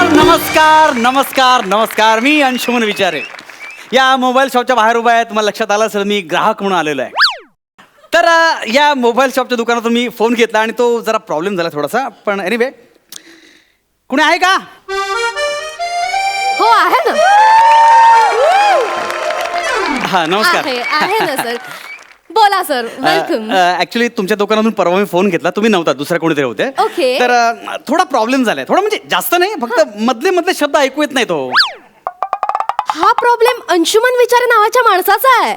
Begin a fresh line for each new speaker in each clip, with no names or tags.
नमस्कार नमस्कार नमस्कार. मी अंशुमन विचारे या मोबाईल शॉपच्या बाहेर उभा आहे. तुम्हाला लक्षात आलं असेल मी ग्राहक म्हणून आलेलो आहे. तर या मोबाईल शॉपच्या दुकानातून मी फोन घेतला आणि तो जरा प्रॉब्लेम झाला थोडासा. पण एनिवे कुणी आहे का?
हो आहे ना.
हा नमस्कार.
आहे ना सर. बोला सर. वेलकम.
ऍक्च्युली तुमच्या दुकानातून परवा मी फोन घेतला. तुम्ही नव्हता, दुसऱ्या कोणीतरी होते.
Okay.
तर थोडा प्रॉब्लेम झालाय. थोडा म्हणजे जास्त नाही, फक्त मधले मधले शब्द ऐकू येत नाही तो.
हा प्रॉब्लेम अंशुमन विचारे नावाच्या माणसाचा आहे.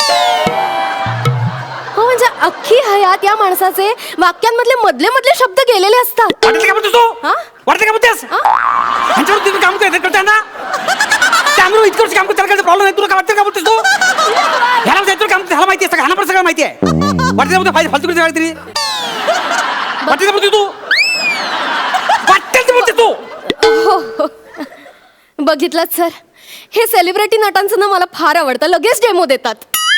हो म्हणजे अख्खी हयात या माणसाचे वाक्यांमधले मधले मधले शब्द गेलेले असतात.
वाटते का बोलतोस तू?
हा?
वाटते का बोलतेस? ह्यांच्यावर तुम्ही काम करताय ना? त्यामुळे इतकं वर्ष काम करत त्याला प्रॉब्लेम नाही. तुला काय वाटतं का बोलतेस तू? ह्याला जायचं काम ह्याला माहिती आहे, ह्याला पण सगळं माहिती आहे. वाटते का बोलते फालतू करते काहीतरी? वाटते का बोलते तू? वाटते का बोलते तू?
बघितलं सर, हे सेलिब्रिटी नटांचं ना मला फार आवडतं. लगेच डेमो देतात.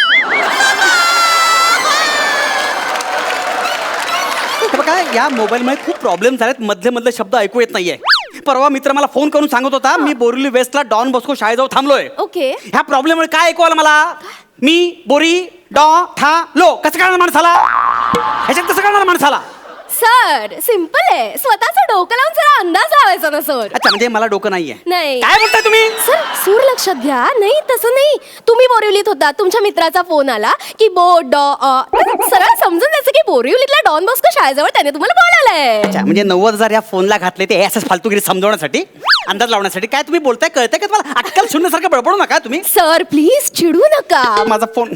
बघा या मोबाईलमध्ये खूप प्रॉब्लेम झालेत. मधले मधले शब्द ऐकू येत नाहीये. परवा मित्र मला फोन करून सांगत होता मी बोरिवली वेस्टला डॉन बॉस्को शाळेजवळ थांबलोय.
ओके.
ह्या प्रॉब्लेममुळे काय ऐकू आलं मला? मी बोरी डॉ था लो कसं कळणार माणसाला? ह्याच्यात कसं कळणार माणसाला?
सर सिंपल आहे. स्वतःचं डोकं लावून जरा अंदाज लावायचा ना सर.
अच्छा म्हणजे मला डोकं नाहीये.
नाही.
काय बोलताय तुम्ही?
सर सूर लक्षात घ्या. नाही तसं नाही. तुम्ही बोरिवलीत होता, तुमच्या मित्राचा फोन आला की सरळ समजून द्यायचं की बोरिवलीतल्या डॉन बॉस्को शाळेजवळ त्याने तुम्हाला बोलावलंय.
अच्छा म्हणजे 90,000 या फोनला घातले ते असंच फालतूगिरी समजवण्यासाठी, अंदाज लावण्यासाठी. काय तुम्ही बोलताय कळतंय का तुम्हाला? अक्कल शून्यसारखं बडबडू नका तुम्ही.
सर प्लीज चिडू नका.
माझा फोन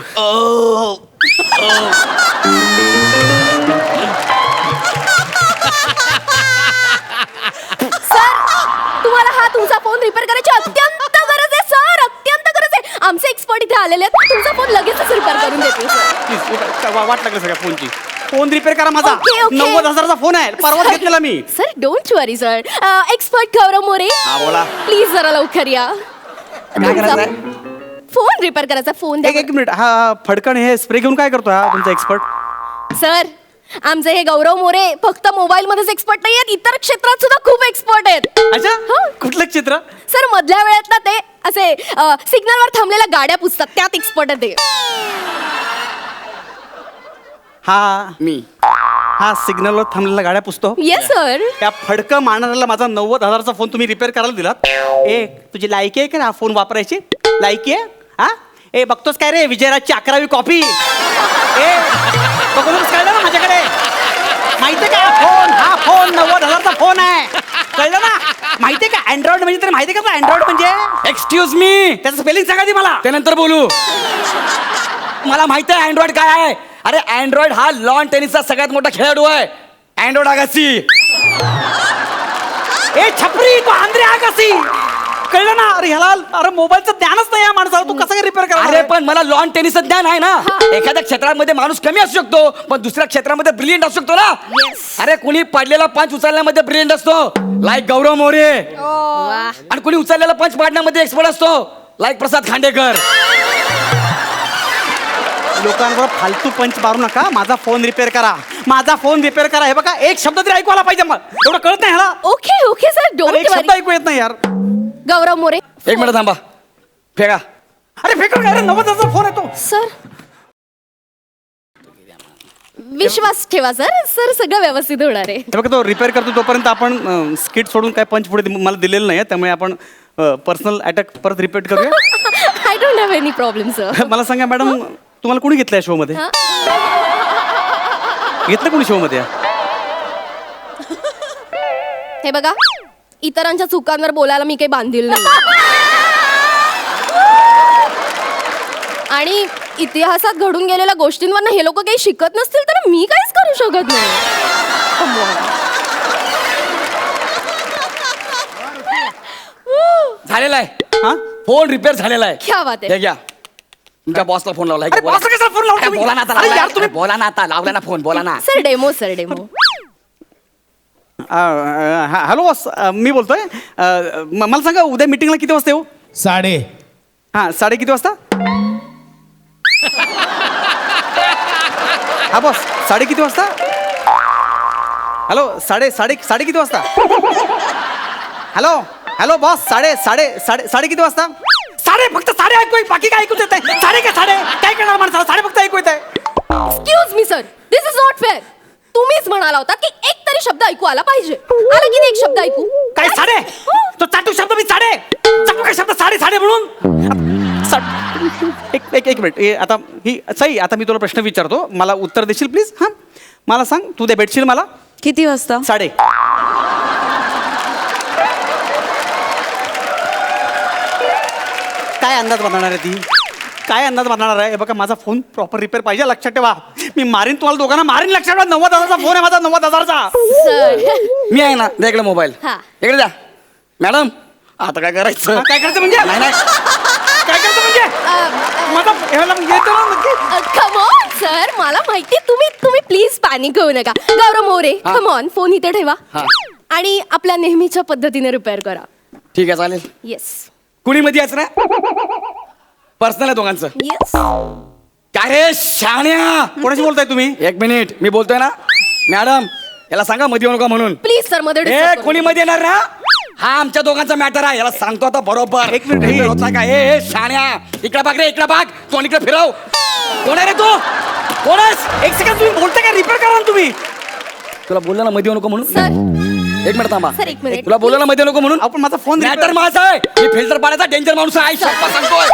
तुम्हाला हा तुमचा फोन रिपेअर करायची अत्यंत गरज आहे सर. अत्यंत गरज आहे. आमचे एक्सपर्ट इथे आलेले आहेत. तुमचा फोन लगेचच रिपेअर करून देतील सर.
वाट लागलं सगळ्या फोनची. फोन रिपेअर करा माझा.
Okay, okay.
90,000चा फोन आहे. परवा घेतलेला मी.
Sir don't worry sir. Expert Gaurav More
हा बोला.
प्लीज जरा लवकर या.
काय करायचंय?
फोन रिपेअर करायचा. फोन द्या.
एक मिनिट. हा फडकण हे स्प्रे घेऊन काय करतो हा तुमचा एक्सपर्ट?
सर आमचे हे गौरव मोरे फक्त मोबाईल मध्येच एक्सपर्ट नाही आहेत, इतर क्षेत्रात सुद्धा खूप एक्सपर्ट आहेत.
अच्छा
हो.
कुठलं चित्र?
सर मधल्या वेळेत ना ते असे सिग्नलवर थांबलेल्या गाड्या पुसतात, त्यात एक्सपर्ट आहे ते.
हा
मी
हा सिग्नलवर थांबलेल्या गाड्या पुसतो.
Yes sir.
त्या फडकं मारणाऱ्याला माझा 90,000चा फोन तुम्ही रिपेअर करायला दिलात. ए तुझी लायकी आहे का हा फोन वापरायची? लायकी आहे? हा ए बघतोस काय रे विजयराजची 11वी कॉपी? ए बघतोस कळलं ना माझ्याकडे? माहितीये का हा फोन 90,000चा फोन आहे. कळलं ना? माहितीये का अँड्रॉइड म्हणजे तरी माहितीये का अँड्रॉइड म्हणजे?
एक्सक्यूज मी
त्याचं स्पेलिंग सांगा ती मला.
त्यानंतर बोलू. मला माहिती आहे अँड्रॉइड काय आहे. अरे अँड्रॉइड हा लॉन टेनिसचा सगळ्यात मोठा खेळाडू आहे. अँड्रॉइड आगासी.
ए छपरी तू आंध्रे आगासी. कळलं ना? अरे ह्याला अरे मोबाईलचं ज्ञानच नाही या माणसाला. तू कसं काय रिपेअर करा?
अरे पण मला लॉन टेनिसचं ज्ञान आहे ना. एखाद्या क्षेत्रामध्ये माणूस कमी असू शकतो पण दुसऱ्या क्षेत्रामध्ये ब्रिलियंट असू शकतो ना. अरे कोणी पडलेला पंच उचलण्यामध्ये ब्रिलियंट असतो लाईक गौरव मोरे. आणि कोणी उचललेला पंच पाडण्यामध्ये एक्सपर्ट असतो लाईक प्रसाद खांडेकर.
लोकांवर फालतू पंच मारू नका. माझा फोन रिपेअर करा. माझा फोन रिपेअर करा. हे बघा एक शब्द तरी ऐकू आला पाहिजे. मग एवढं कळत नाही ह्याला.
ओके ओके सर
अरे,
डोंट
एक शब्द
वरी.
ऐकू येत नाही यार.
गौरव मोरे
एक मिनिट थांबा. फेका.
अरे फेकून काय रे? 90,000चा फोन येतो.
सर विश्वास ठेवा सर. सर सगळं व्यवस्थित होणार आहे.
हे बघा तो रिपेअर करतो तोपर्यंत आपण स्किट सोडून काय पंच पुढे मला दिलेलं नाही. त्यामुळे आपण पर्सनल अटॅक परत रिपीट करूया.
I don't have any problem sir.
मला सांगा मॅडम तुम्हाला कोणी घेतलंय शो मध्ये? घेतलं कोणी शो मध्ये?
हे बघा इतरांच्या चुकांवर बोलायला मी काही बांधील नाही. आणि इतिहासात घडून गेलेल्या गोष्टींवर हे लोक काही शिकत नसतील तर मी काहीच करू शकत नाही.
झालेला आहे.
हा
फोन रिपेअर झालेला आहे.
क्या बात आहे.
हे घ्या. तुमच्या बॉसला फोन लावला.
अरे boss ला कशाला phone लावला तुम्ही?
बोला ना आता.
अरे यार तुम्ही
बोला ना आता. लावला ना फोन. बोला ना.
Sir demo sir demo.
Hello boss मी बोलतोय. मला सांगा उद्या मीटिंगला किती वाजता येऊ?
3:30.
हां 3:30 किती वाजता? हा बॉस 3:30 किती वाजता? हॅलो साडे किती वाजता? हॅलो हॅलो बॉस साडे किती वाजता साडे फक्त साडे ऐकू बाकी काय ऐकू येत आहे साडे काय करणार माणसाला साडे फक्त ऐकू येत आहे
excuse me sir this is not fair. तुम्हीच म्हणाला होता की एक तरी शब्द ऐकू आला पाहिजे. आला की नाही एक शब्द ऐकू?
काय साडे तो चाटू शब्द मी साडे चाटू काय शब्द साडे म्हणून एक मिनिट आता ही सई आता मी तुला प्रश्न विचारतो मला उत्तर देशील प्लीज हां मला सांग तू दे भेटशील मला
किती वाजता?
साडे काय अंदाज बांधणार आहे ती काय अंदाज बांधणार आहे हे बघा माझा फोन प्रॉपर रिपेअर पाहिजे लक्षात ठेवा मी मारीन तुम्हाला दोघांना मारीन लक्षात ठेवा 90,000चा फोन आहे माझा 90,000चा
सर
मी आहे ना द्या इकडे मोबाईल
हा.
इकडे द्या मॅडम आता काय करायचं
काय करायचं म्हणजे
नाही नाही
काय करायचं म्हणजे माझा ह्याला येतो ना नक्की
कम ऑन सर मला माहिती तुम्ही प्लीज पॅनिक होऊ नका. गौरव मोरे
हा.
कम ऑन फोन इथे ठेवा
हा.
आणि आपल्या नेहमीच्या पद्धतीने रिपेअर करा.
ठीक आहे चालेल
येस
कुणी मध्ये यायचं ना पर्सनल आहे दोघांचं
येस.
काय रे शाण्या
कोणाशी बोलताय तुम्ही
एक मिनिट मी बोलतोय ना मॅडम याला सांगा मध्ये येऊ नका म्हणून
प्लीज सर मध्ये
ए
disturb करू
कोणी मध्ये येणार ना हा आमच्या दोघांचा मॅटर आहे याला सांगतो आता बरोबर
एक मिनिट,
Repair होता का ए शाण्या इकडे बघ रे इकडे बघ कोण इकडे फिरव कोण आहे रे तू कोण आहेस?
एक सेकंड तुम्ही बोलताय का रिपेअर करा ना तुम्ही
तुला बोलला ना मध्ये येऊ नको म्हणून
सर
एक मिनिट थांबा
सर, एक मिनिट.
तुला बोलला ना मध्ये येऊ नको म्हणून
आपण माझा फोन
मॅटर माझा आहे मी फिल्टर पाडायचा डेंजर माणूस आहे शप्पा सांगतोय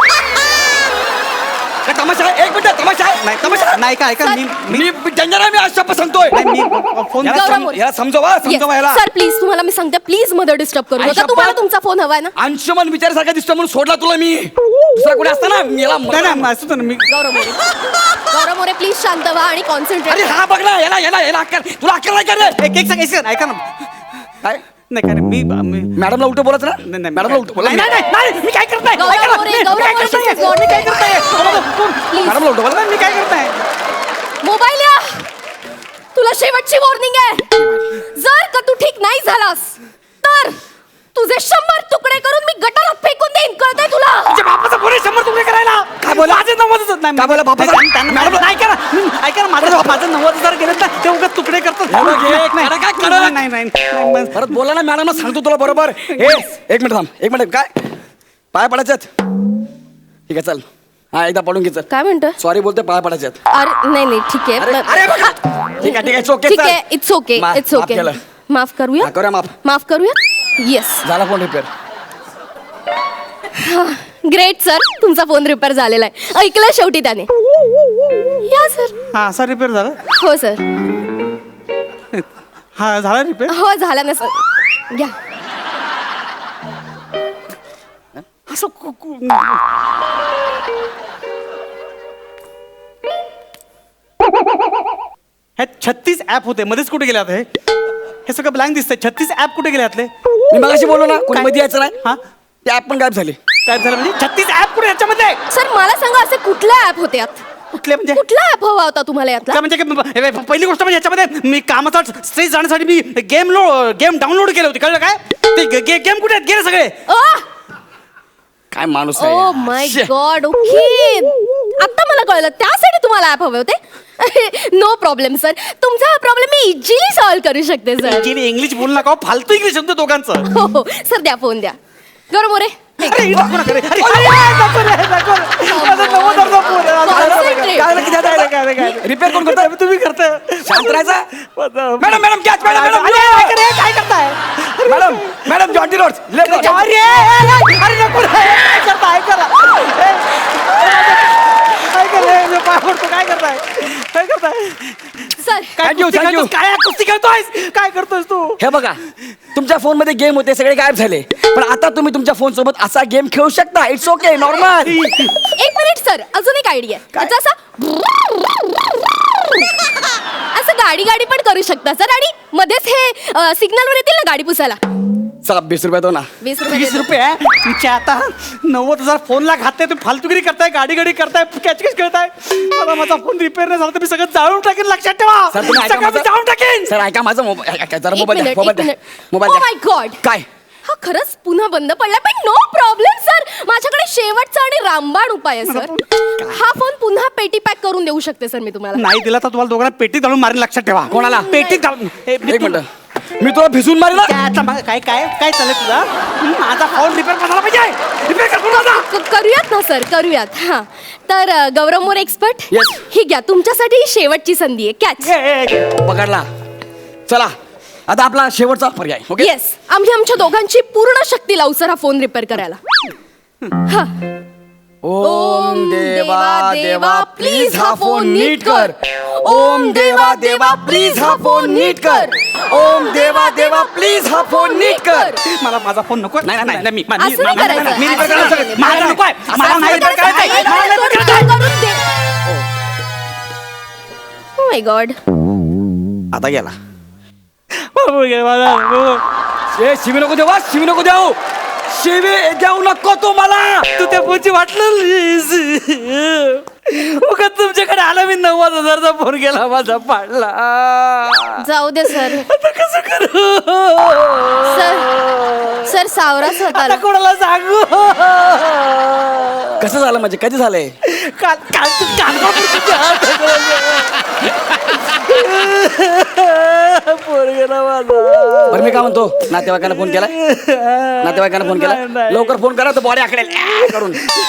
काय तमाशा आहे एक मिनिट तमाशा आहे
नाही तमाशा नाही का ऐका मी
मी डेंजर आहे मी आज शप्पा सांगतोय
नाही, मी फोन
याला
गौरव
सम-
मोरे.
याला समजवा याला
सर प्लीज तुम्हाला मी सांगते प्लीज मध्ये डिस्टर्ब करू
आई
नका.
शपथ.
तुम्हाला तुमचा फोन हवाय ना?
अंशुमन विचारासारखा दिसतो म्हणून सोडला तुला मी दुसरा कोणी असता ना याला
नाही नाही असं तर मी
गौरव मोरे प्लीज शांत व्हा आणि
अरे
कॉन्सन्ट्रेट.
हा बघ ना याला अक्कल तुला अक्कल नाही का रे
एक सेकंड ऐका ना
काय
नाही काय नाही, मी
मॅडमला उलट बोलत ना
नाही, नाही,
मॅडमला उलट बोला
नाही, नाही, नाही, नाही, मी काय करत नाही.
गौरव
ऐका ना,
मोरे,
मी
गौरव
काय
मोरे,
करत नाहीये.
this is not
मी काय करत नाहीये.
Please.
मॅडमला उलट बोला
मी काय करत नाही
मोबाईल या. तुला शेवटची वॉर्निंग आहे. जर का तू ठीक नाही झालास तर तुझे 100 तुकडे करून मी गटारात फेकून देईन कळतंय तुला?
तुझ्या बापाचा पुरे 100 तुकडे करायला
काय बोला?
माझे 90,000 नाही
काय बोला बापाचा?
मॅडम ऐका ना ऐका ना माझं 90,000 गेलेत ना ते उगाच तुकडे करतात
हे बघ, हे कडक आहे, कडक.
नाही नाही नाही
परत बोला ना मॅडमला सांगतो तुला बरोबर हे एक मिनिट थांब एक मिनिट काय पाय पडायच्यात ठीक आहे चल हा एकदा पडून घे चल
काय म्हणतोय?
सॉरी बोलते पाय पडायच्यात
अरे नाही नाही ठीक
अरे
आहे
अरे बघा ठीक आहे it's okay,
ठीक
चल.
आहे इट्स ओके
मा-
इट्स
माफ
ओके
केलं.
माफ करूया
हा, करूया माफ.
माफ करूया येस
झाला फोन रिपेअर
ग्रेट सर तुमचा फोन रिपेअर झालेला आहे ऐकलं शेवटी त्याने या सर
हा असा रिपेअर झाला
हो सर
हा झाला रिपेअर
हो झाला ना सर घ्या
असं हे 36 ऍप होते मध्येच कुठे गेले आता हे सगळं ब्लँक दिसतंय 36 ऍप कुठे गेले यातले
मी मगाशी बोललो ना कोणी
काय?
मध्ये यायचं नाही
हा
ते ऍप पण गायब झाले
काय झालं म्हणजे 36 ऍप कुठे याच्यामध्ये
सर मला सांगा असे कुठला ऍप होते यात
कुठले म्हणजे
कुठला ऍप हवा होता तुम्हाला यातला
काय म्हणजे हे बघ, पहिली गोष्ट म्हणजे याच्यामध्ये मी कामाचा स्ट्रेस जाण्यासाठी मी गेम डाउनलोड केले होते कळलं काय ते गेम कुठे आहेत? गेले सगळे
काय माणूस
ओ
आहे
माय
शे.
गॉड ओके आता मला कळलं त्यासाठी तुम्हाला ऍप हवे होते नो प्रॉब्लेम सर तुमचा हा प्रॉब्लेम मी इझिली सॉल्व्ह करू शकते सर
इंग्लिश बोलू नका हो, फालतू इंग्लिश शब्द दोघांचं
हो हो सर द्या फोन द्या गौरव मोरे
अरे, नको नका रे. अरे, नको रे, नको रे. माझं 90,000 फोन आहे.
Concentrate.
काय रे, काय रे, काय रे.
रिपेअर कोण करतोय
तुम्ही करताय
शांत राहायचा
माझं-
madam madam catch madam madam
अरे, काय करे, काय करताय
madam madam Jonty Rhodes left
अरे अरे नको रे, काय करताय करा काय करताय मी पाय पडतो, काय करताय काय करताय
सर
काय
Thank you,
कुस्ती
thank you.
खेळतोस? काय कुस्ती खेळतोयस काय करतोयस तू
हे बघा तुमच्या फोन मध्ये गेम होते सगळे गायब झाले पण आता तुम्ही तुमच्या फोन सोबत असा गेम खेळू शकता इट्स ओके नॉर्मल
एक मिनिट सर अजून एक आयडिया त्याचा असं गाडी गाडी पण करू शकता सर आणि मध्येच हे सिग्नलवर येतील ना गाडी पुसायला
चला 20 रुपये दो ना
20 रुपये
20
देतो.
रुपये तुमच्या आता 90,000 फोनला खाते तुम्ही फालतुगिरी करताय गाडी गाडी करताय कॅच कॅच खेळताय मला माझा फोन रिपेअर नाही झाला तर मी सगळं जाळून टाकेन लक्षात ठेवा
सर तुम्ही ऐका
सगळं मी
माझं-
जाळून टाकेन
सर ऐका माझा मोबाईल जरा
एक
मोबाईल द्या
मिनिट,
मोबाईल
एक
द्या
मिनिट.
मोबाईल
Oh
द्या
my God.
काय
हा खरंच पुन्हा बंद पडला पण नो प्रॉब्लेम सर माझ्याकडे शेवटचा आणि रामबाण उपाय आहे सर हा फोन पुन्हा पेटी पॅक करून देऊ शकते सर मी तुम्हाला
नाही दिला तर तुम्हाला दोघांना पेटीत घालून मारेन लक्षात ठेवा
कोणाला?
पेटीत घालून
एक मिनिट मी तुला भिजून मारेल ना.
काय काय काय चाललंय तुला माझा फोन रिपेअर करायला पाहिजे रिपेअर कर पूर्ण आता.
करूयात ना सर, करूयात. हा तर गौरव मोरे एक्सपर्ट,
Yes.
ही घ्या तुमच्यासाठी ही शेवटची संधी आहे. कॅच.
पकडला. चला आता आपला शेवटचा पर्याय. ओके.
येस, आम्ही आमच्या दोघांची पूर्ण शक्ती लावू सर हा फोन रिपेअर करायला. हा.
ओम देवा देवा प्लीज हा फोन नीट कर. ओम देवा देवा प्लीज हा फोन नीट कर. ओम देवा देवा प्लीज हा फोन नीट कर.
मला माझा फोन नको. नाही नाही नाही मी
असं नाही करायचं.
मी रिपेअर
असं
करायला
नाही.
माझा नको आहे. मला नाही रिपेअर करायचंय. मला नाही repair करायचंय.
Oh my God.
आता गेला.
बाबू गे, मला
ए शिवी नको देऊ, शिवी नको देऊ, शिवी देऊ नको तू मला.
तू त्या फोनची वाटलं उगाच तुमच्याकडे आला मी 90,000चा फोन गेला माझा पाडला.
जाऊ दे सर.
आता कसं करू
सर सावरा स्वतःला.
आता कोणाला सांगू.
कसं झालं म्हणजे कधी झालंय?
काल काल तू पोरगेला माझा.
बरं मी काय म्हणतो, नातेवाईकांना फोन केलाय? नातेवाईकांना फोन केला?
नाही.
लवकर फोन करा तर बॉडी आकडेल करून.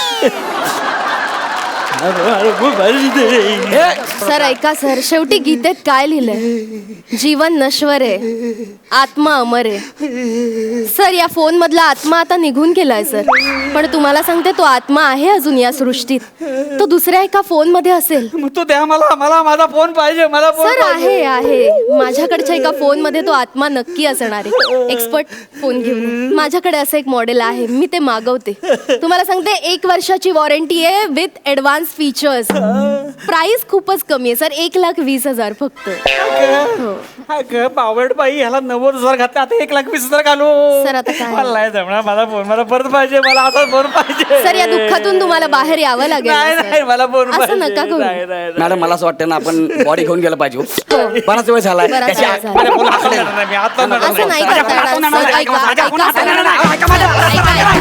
हे,
सर ऐका सर, शेवटी गीतेत काय लिहिलंय? जीवन नश्वर आहे, आत्मा अमर आहे. सर या फोन मधला आत्मा आता निघून गेलाय सर, पण तुम्हाला सांगते तो आत्मा आहे अजून या सृष्टीत. तो दुसऱ्या एका फोन मध्ये असेल.
मग तो द्या मला मला माझा फोन पाहिजे. मला फोन
सर आहे माझ्याकडच्या एका फोन मध्ये तो आत्मा नक्की असणार आहे. एक्सपर्ट फोन घेऊन माझ्याकडे असं एक मॉडेल आहे, मी ते मागवते. तुम्हाला सांगते 1 वर्षाची वॉरंटी आहे विथ ऍडव्हान्स फीचर्स. प्राइस खूपच कमी आहे सर, 1,20,000 फक्त.
बावड बाई ह्याला 90,000 घातले, आता 1,20,000 घालू.
सर, आता काय?
मला नाही जमणार. माझा फोन मला परत पाहिजे. मला असा फोन पाहिजे.
सर या दुःखातून तुम्हाला बाहेर यावं लागेल ना,
नाही
सर.
नाही मला फोन
असं
पाहिजे.
नका करू.
नाही, नाही, नाही.
मॅडम मला असं वाटतं ना आपण बॉडी घेऊन गेलं पाहिजे. बराच वेळ झालाय.
बराच
त्याची
वेळ झाला.
माझ्या फोन हाताळणार नाही मी. हात लावणार
असं नाही
माझ्या
करता
फोन
येणार.
हाताळणार
सर,
नाही.
ऐका,
माझ्या फोन
ऐका,
हाताळणार
सर.
नाही. ऐका माझं.
ऐका, ऐका.